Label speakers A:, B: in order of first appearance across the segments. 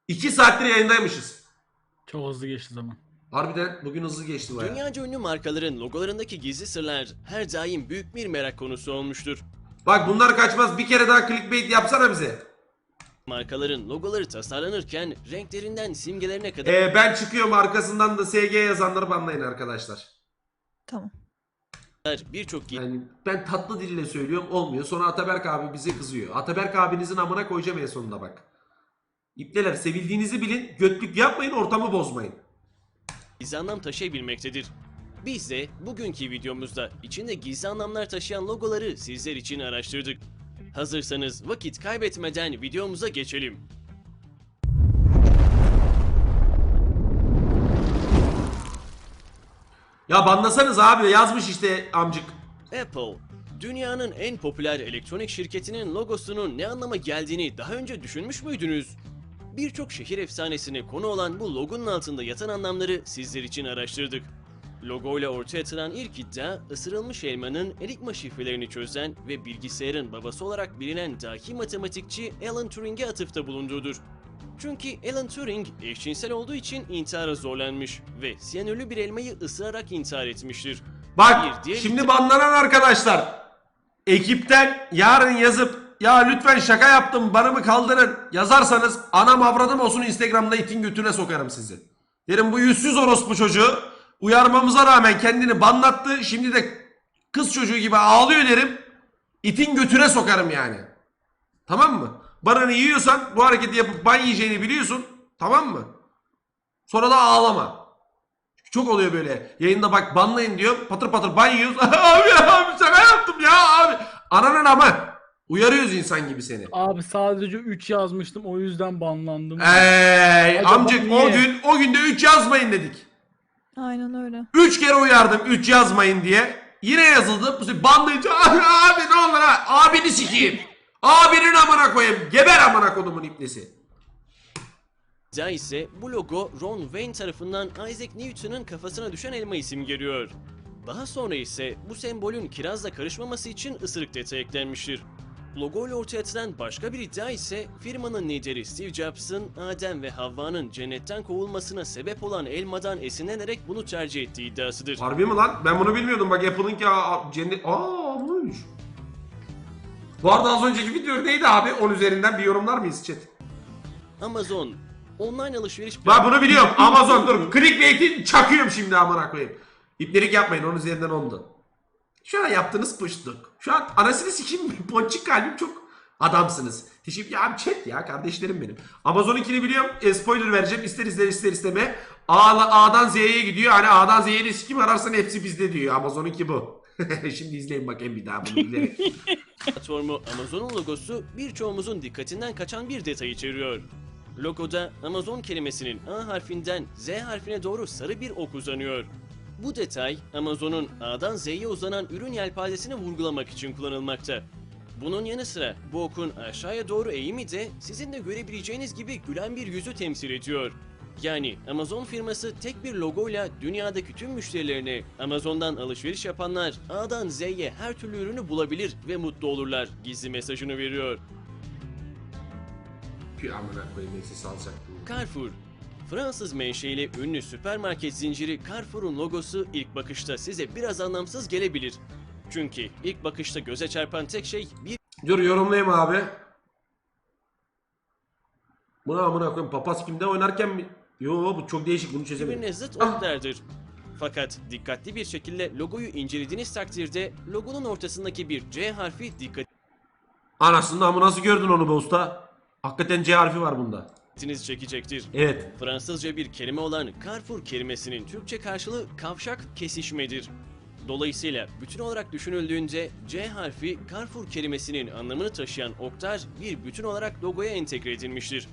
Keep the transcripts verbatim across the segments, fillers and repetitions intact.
A: iki saattir yayındaymışız.
B: Çok hızlı geçti zaman.
A: Harbiden bugün hızlı geçti bayağı.
C: Dünyaca ünlü markaların logolarındaki gizli sırlar her daim büyük bir merak konusu olmuştur.
A: Bak bunlar kaçmaz, bir kere daha clickbait yapsana bize.
C: Markaların logoları tasarlanırken renklerinden simgelerine kadar
A: Ee, ben çıkıyorum, arkasından da S G yazanları banlayın arkadaşlar.
D: Tamam.
C: birçok
A: Yani ben tatlı dille söylüyorum, olmuyor. Sonra Ataberk abi bize kızıyor. Ataberk abinizin amına koyacağım en sonunda bak. İpteler, sevildiğinizi bilin, götlük yapmayın, ortamı bozmayın.
C: gizli anlam taşıyabilmektedir. Biz de bugünkü videomuzda içinde gizli anlamlar taşıyan logoları sizler için araştırdık. Hazırsanız vakit kaybetmeden videomuza geçelim.
A: Ya banlasanız abi, yazmış işte amcık.
C: Apple, dünyanın en popüler elektronik şirketinin logosunun ne anlama geldiğini daha önce düşünmüş müydünüz? Birçok şehir efsanesine konu olan bu logonun altında yatan anlamları sizler için araştırdık. Logoyla ortaya atılan ilk iddia, ısırılmış elmanın enigma şifrelerini çözen ve bilgisayarın babası olarak bilinen dahi matematikçi Alan Turing'e atıfta bulunduğudur. Çünkü Alan Turing eşcinsel olduğu için intihara zorlanmış ve siyanürlü bir elmayı ısırarak intihar etmiştir.
A: Bak
C: Bir diğer
A: şimdi banlanan arkadaşlar, ekipten yarın yazıp ya lütfen şaka yaptım bana mı kaldırın yazarsanız anam avradım olsun, Instagram'da itin götüne sokarım sizi. Derim bu yüzsüz orospu çocuğu uyarmamıza rağmen kendini banlattı, şimdi de kız çocuğu gibi ağlıyor derim, itin götüne sokarım yani. Tamam mı? Bananı yiyorsan bu hareketi yapıp ban yiyeceğini biliyorsun, tamam mı? Sonra da ağlama. Çok oluyor böyle. Yayında bak banlayın diyor. Patır patır ban yiyoruz. Abi abi şaka yaptım ya abi. Ananın ama. Uyarıyoruz insan gibi seni.
B: Abi sadece üç yazmıştım, o yüzden banlandım.
A: Ey
B: Acaba
A: amcık,
B: niye?
A: o gün o günde üç yazmayın dedik.
D: Aynen öyle.
A: üç kere uyardım üç yazmayın diye. Yine yazıldı. Bu sefer banlayınca abi, abi ne olur ha. Abini sikeyim. Abinin amına koyayım. Geber amına kodumun iplesi.
C: iddia ise bu logo Ron Wayne tarafından Isaac Newton'un kafasına düşen elmayı simgeliyor. Daha sonra ise bu sembolün kirazla karışmaması için ısırık detayı eklenmiştir. Logo ile ortaya atılan başka bir iddia ise firmanın lideri Steve Jobs'ın Adem ve Havva'nın cennetten kovulmasına sebep olan elmadan esinlenerek bunu tercih ettiği iddiasıdır.
A: Harbi mi lan? Ben bunu bilmiyordum. Bak Apple'ınki aa, cennet... Aa buymuş. Bu arada az önceki video neydi abi? on üzerinden bir yorumlar mıyız chat?
C: Amazon, online alışveriş
A: Ben bunu biliyorum. Amazon dur. Clickbait'i çakıyorum şimdi amına koyayım. İplerik yapmayın. on üzerinden ondu. Şu an yaptığınız pıştık. Şu an anasını sikeyim. Ponçik kalbim çok adamsınız. Teşekkür ya abi, chat ya kardeşlerim benim. Amazon'unkini biliyorum. E, spoiler vereceğim. İster ister ister isteme. A, A'dan Z'ye gidiyor. Hani A'dan Z'ye de sikim ararsan hepsi bizde diyor. Amazon'unki bu. Şimdi izleyin bakayım bir daha bunu bilerek.
C: platformu Amazon'un logosu birçoğumuzun dikkatinden kaçan bir detay içeriyor. Logoda Amazon kelimesinin A harfinden Z harfine doğru sarı bir ok uzanıyor. Bu detay Amazon'un A'dan Z'ye uzanan ürün yelpazesini vurgulamak için kullanılmakta. Bunun yanı sıra bu okun aşağıya doğru eğimi de sizin de görebileceğiniz gibi gülen bir yüzü temsil ediyor. Yani Amazon firması tek bir logoyla dünyadaki tüm müşterilerine Amazon'dan alışveriş yapanlar A'dan Z'ye her türlü ürünü bulabilir ve mutlu olurlar gizli mesajını veriyor.
A: Pü amına koyayım, eksi salacaktım.
C: Carrefour, Fransız menşeli ünlü süpermarket zinciri Carrefour'un logosu ilk bakışta size biraz anlamsız gelebilir. Çünkü ilk bakışta göze çarpan tek şey bir
A: Dur yorumlayayım abi. Buna amına koyayım, papaz kimde oynarken mi? Yo bu çok değişik, bunu çözemedim.
C: birbirine zıt oklardır. Fakat dikkatli bir şekilde logoyu incelediğiniz takdirde logonun ortasındaki bir C harfi
A: Anasını amı, nasıl gördün onu be usta? Hakikaten C harfi var bunda.
C: dikkatinizi çekecektir.
A: Evet.
C: Fransızca bir kelime olan Carrefour kelimesinin Türkçe karşılığı kavşak, kesişmedir. Dolayısıyla bütün olarak düşünüldüğünde C harfi Carrefour kelimesinin anlamını taşıyan oktar bir bütün olarak logoya entegre edilmiştir.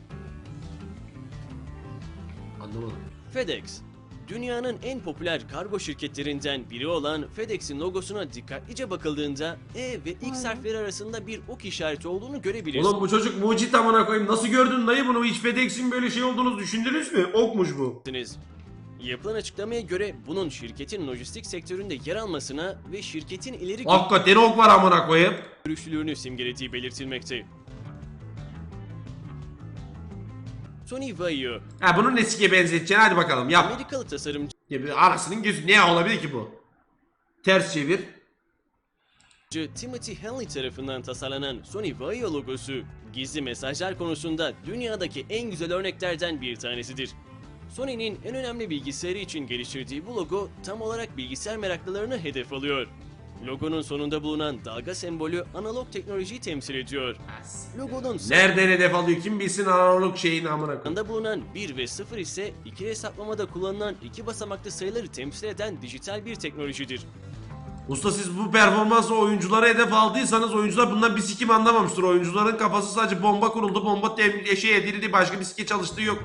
A: Anlamadım.
C: FedEx, dünyanın en popüler kargo şirketlerinden biri olan FedEx'in logosuna dikkatlice bakıldığında E ve X
D: Aynen.
C: harfleri arasında bir ok işareti olduğunu görebilirsiniz.
A: Oğlum bu çocuk mucit amına koyayım. Nasıl gördün dayı bunu? Hiç FedEx'in böyle şey olduğunu düşündünüz mü? Okmuş bu.
C: Yapılan açıklamaya göre bunun şirketin lojistik sektöründe yer almasına ve şirketin ileri
A: Hakikaten ok var amına koyayım.
C: görüşlülüğünü simgelediği belirtilmekte. Tony Vaio,
A: Ha bunu Nesike benzeteceksin, hadi bakalım yap.
C: Amerikalı tasarımcı
A: Ya bir arasının gözü ne olabilir ki bu? Ters çevir.
C: Timothy Henley tarafından tasarlanan Sony Vaio logosu, gizli mesajlar konusunda dünyadaki en güzel örneklerden bir tanesidir. Sony'nin en önemli bilgisayarı için geliştirdiği bu logo tam olarak bilgisayar meraklılarını hedef alıyor. Logonun sonunda bulunan dalga sembolü analog teknolojiyi temsil ediyor. Logonun
A: Nereden hedef alıyor kim bilsin analog şeyin amına koyayım.
C: sağında bulunan bir ve sıfır ise ikili hesaplamada kullanılan iki basamaklı sayıları temsil eden dijital bir teknolojidir.
A: Usta siz bu performansla oyunculara hedef aldıysanız oyuncular bundan bir sikim anlamamıştır. Oyuncuların kafası sadece bomba kuruldu, bomba tem- şey edildi, başka bir sike çalıştığı yok.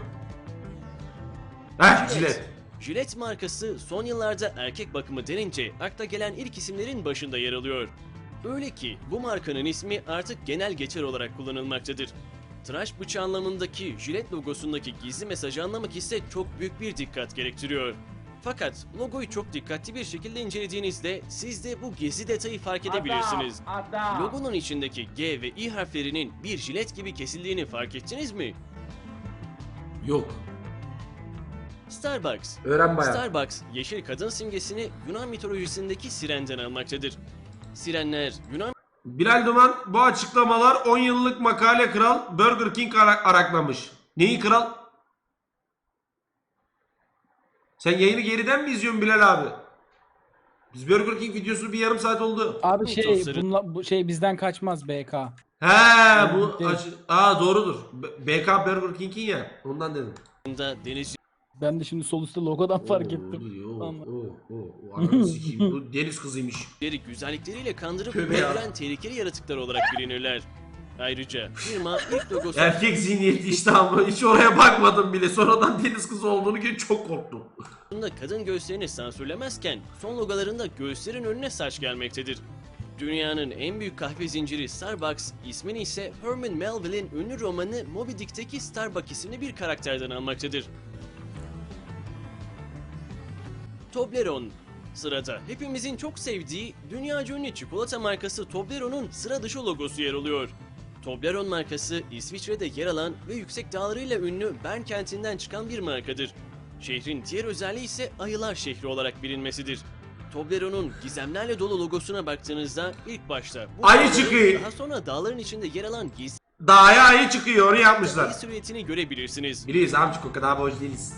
A: Heh Jilet.
C: Gillette markası son yıllarda erkek bakımı denince akla gelen ilk isimlerin başında yer alıyor. Öyle ki bu markanın ismi artık genel geçer olarak kullanılmaktadır. Tıraş bıçağı anlamındaki Gillette logosundaki gizli mesajı anlamak ise çok büyük bir dikkat gerektiriyor. Fakat logoyu çok dikkatli bir şekilde incelediğinizde siz de bu gizli detayı fark edebilirsiniz. Logonun içindeki G ve I harflerinin bir jilet gibi kesildiğini fark ettiniz mi?
A: Yok.
C: Starbucks.
A: Öğren bayağı.
C: Starbucks, yeşil kadın simgesini Yunan mitolojisindeki sirenden almaktadır. Sirenler, Yunan
A: Bilal Duman bu açıklamalar on yıllık makale kral Burger King ara- araklamış. Neyi kral? Sen yayını geriden mi izliyorsun Bilal abi? Biz Burger King videosunu bir yarım saat oldu.
B: Abi şey
C: Tostları.
B: bunla, bu şey bizden kaçmaz B K.
A: He bu
B: Değil.
A: acı... Aa doğrudur. B- BK Burger King'in ya. Ondan dedim.
C: deniz
B: Ben de şimdi sol üstte logodan fark ettim.
A: Oo, oo,
B: Anladım.
A: oo, oo. Ananı sikeyim. Bu deniz kızıymış.
C: yüzleri güzellikleriyle kandırıp
A: Tövbe ya.
C: öldüren tehlikeli yaratıklar olarak bilinirler. Ayrıca firma ilk logosu
A: Erkek zihniyeti işte ama hiç oraya bakmadım bile. Sonradan deniz kızı olduğunu görünce çok korktum.
C: Aslında kadın göğüslerini sansürlemezken son logolarında göğüslerin önüne saç gelmektedir. Dünyanın en büyük kahve zinciri Starbucks ismini ise Herman Melville'in ünlü romanı Moby Dick'teki Starbuck isimli bir karakterden almaktadır. Toblerone. Sırada hepimizin çok sevdiği dünyaca ünlü çikolata markası Toblerone'un sıra dışı logosu yer alıyor. Toblerone markası İsviçre'de yer alan ve yüksek dağlarıyla ünlü Bern kentinden çıkan bir markadır. Şehrin diğer özelliği ise ayılar şehri olarak bilinmesidir. Toblerone'un gizemlerle dolu logosuna baktığınızda ilk başta bu
A: Ayı
C: dağların,
A: çıkıyor.
C: daha sonra dağların içinde yer alan gizli
A: Dağa ayı çıkıyor onu yapmışlar.
C: silüetini görebilirsiniz.
A: Biliyoruz amcık o kadar boş değiliz.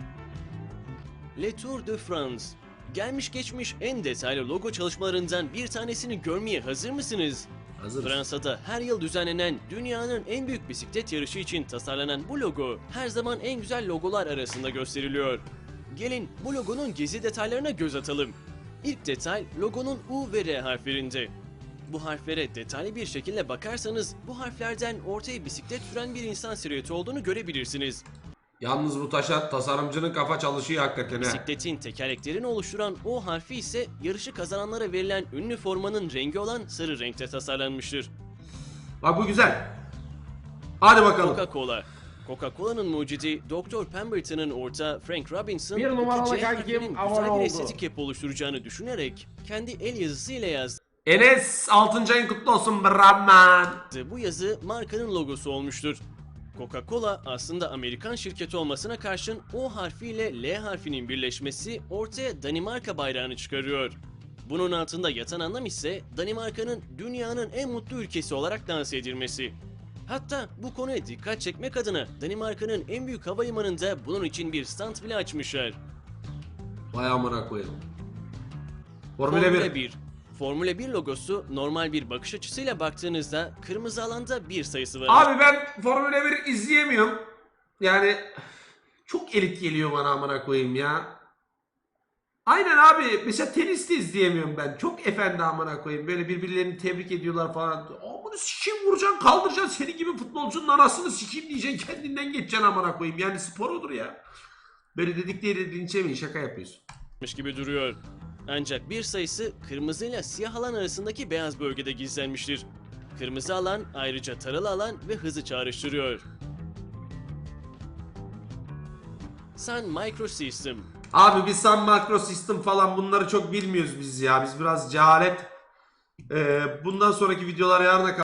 C: Le Tour de France. Gelmiş geçmiş en detaylı logo çalışmalarından bir tanesini görmeye hazır mısınız?
A: Hazırız.
C: Fransa'da her yıl düzenlenen dünyanın en büyük bisiklet yarışı için tasarlanan bu logo her zaman en güzel logolar arasında gösteriliyor. Gelin bu logonun gizli detaylarına göz atalım. İlk detay logonun U ve R harflerinde. Bu harflere detaylı bir şekilde bakarsanız bu harflerden ortaya bisiklet süren bir insan silüeti olduğunu görebilirsiniz.
A: Yalnız bu taşa tasarımcının kafa çalışıyor hakikaten he.
C: Bisikletin tekerleklerini oluşturan O harfi ise yarışı kazananlara verilen ünlü formanın rengi olan sarı renkte tasarlanmıştır.
A: Bak bu güzel. Hadi bakalım.
C: Coca-Cola. Coca-Cola'nın mucidi doktor Pemberton'ın ortağı Frank Robinson,
A: Bir numaralı
C: iki C
A: kankim
C: harfinin
A: abone
C: güzel bir
A: oldu.
C: estetik yapı oluşturacağını düşünerek kendi el yazısıyla yazdığı
A: Enes altıncı ayın kutlu olsun Brahman.
C: bu yazı markanın logosu olmuştur. Coca-Cola aslında Amerikan şirketi olmasına karşın O harfiyle L harfinin birleşmesi ortaya Danimarka bayrağını çıkarıyor. Bunun altında yatan anlam ise Danimarka'nın dünyanın en mutlu ülkesi olarak lanse edilmesi. Hatta bu konuya dikkat çekmek adına Danimarka'nın en büyük havalimanında bunun için bir stand bile açmışlar.
A: Vay amına koyalım. Formula bir.
C: bir. Formula bir logosu normal bir bakış açısıyla baktığınızda kırmızı alanda bir sayısı var.
A: Abi ben Formula bir izleyemiyorum. Yani çok elit geliyor bana amına koyayım ya. Aynen abi mesela tenis de izleyemiyorum ben. Çok efendi amına koyayım. Böyle birbirlerini tebrik ediyorlar falan. Amına sikeyim vuracaksın kaldıracaksın. Senin gibi futbolcunun anasını sikeyim diyeceksin. Kendinden geçeceksin amına koyayım. Yani spor odur ya. Böyle dedikleri dinçemeyin şaka yapıyorsun.
C: gibi duruyor. Ancak bir sayısı kırmızı ile siyah alan arasındaki beyaz bölgede gizlenmiştir. Kırmızı alan ayrıca taralı alan ve hızı çağrıştırıyor. Sun Microsystem.
A: Abi biz Sun Microsystem falan bunları çok bilmiyoruz biz ya. Biz biraz cehalet. Ee, bundan sonraki videolar yarına